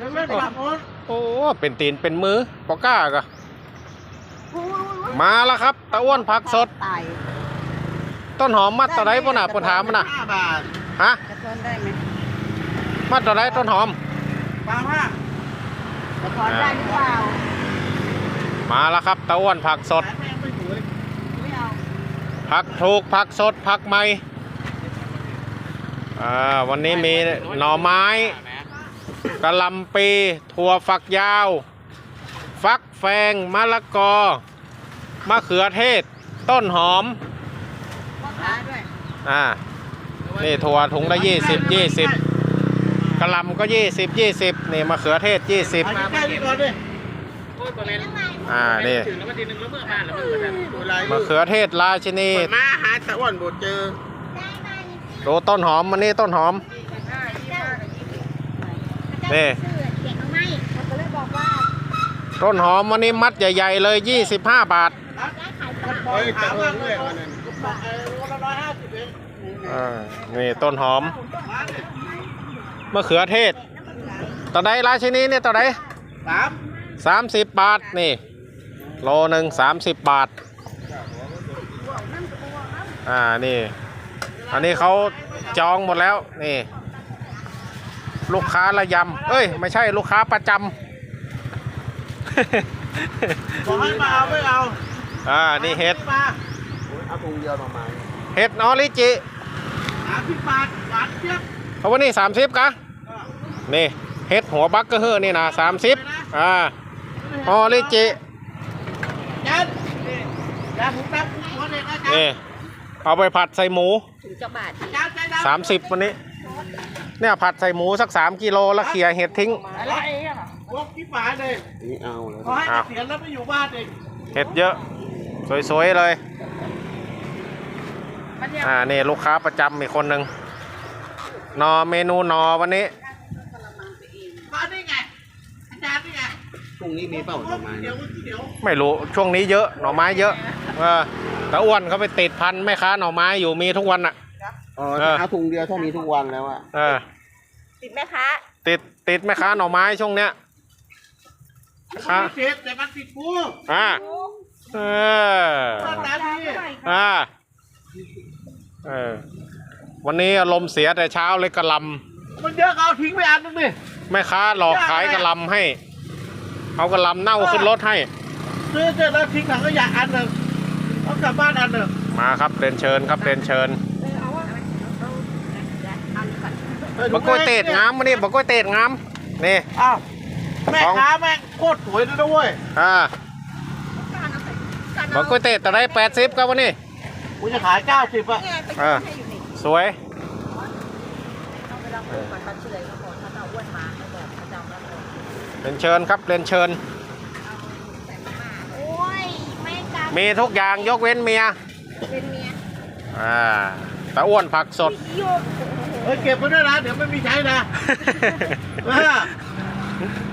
โอ้เป็นตีนเป็นมือปอก้าก็มาแล้วครับตะอ้วนผักสดต้นหอมมัดตะไดป่ะน่ะปนถามมันน่ะฮะมัดตะไดต้นหอมจะถอนได้หรือเปล่ามาแล้วครับตะอ้วนผักสดผักถูกผักสดผักใหม่วันนี้มีหน่อไม้กะหล่ำปีถั่วฝักยาวฟักแฟงมะละกอมะเขือเทศต้นหอมนี่ถั่วถุงละ20กะหล่ำก็20นี่มะเขือเทศ20นี่มะเขือเทศราชินีมาหาตะอ้วนบ่เจอดูต้นหอมมันนี่ต้นหอมนี่ต้นหอมวันนี้มัดใหญ่ๆเลย25 บาทนี่ต้นหอมมะเขือเทศต่อใดราชินีเนี่ยต่อใด30 บาทนี่โลหนึ่ง30 บาทนี่อันนี้เขาจองหมดแล้วนี่ลูกค้าระยำเอ้ยไม่ใช่ลูกค้าประจำบอกให้มาเอาไม่เอานี่เห็ดเอาถุงเดียวประมาณเห็ดออริจิ 30 บาทหวานเจี๊ยบเอาวันนี้30กะนี่เห็ดหัวบักก็เฮือนี่นะ30ออริจินี่เอาไปผัดใส่หมู30วันนี้เนี่ยผัดใส่หมูสัก3 กิโลแล้วเขี่ยเห็ดทิ้งอะไรพวกที่ฝาเลยนี่เอาเลยขอให้เสียแล้วไม่อยู่บ้านเองเห็ดเยอะสวยๆเลยนี่ลูกค้าประจำอีกคนหนึ่งนอเมนูนอวันนี้มาได้ไงอาจารย์ได้ไงพรุ่งนี้มีเปล่าหน่อไม้ไม่รู้ช่วงนี้เยอะหน่อไม้เยอะแต่อ้วนเขาไปติดพันแม่ค้าหน่อไม้อยู่มีทุกวันอ่ะเอาถุงเดียวเท่านี้ทุกวันแล้วอ่ะติดไหมคะติดแม่ค้าหน่อไม้ช่วงเนี้ยค่ะติดแต่มันติดกูวันนี้อารมณ์เสียแต่เช้าเลยกระลำมันเยอะเอาทิ้งไปอันนึงดิแม่ค้าหลอกขายกระลำให้เอากระลำเน่าขึ้นรถให้ซื้อเสร็จแล้วทิ้งถังขยะอันหนึ่งเอากลับบ้านอันหนึ่งมาครับเรียนเชิญครับเรียนเชิญบะกล้วยเตดงามมานี่บะกล้วยเตดงามนี่แม่ค้าแม่งโคตรสวยเลยด้วยบะกล้วยเตดแต่ได้80ครับวันนี้กูจะขาย90 สวยเรียนเชิญครับเรียนเชิญมีทุกอย่างยกเว้นเมียตะอ้วนผักสดเก็บไว้ด้วยนะเดี๋ยวไม่มีใช้นะ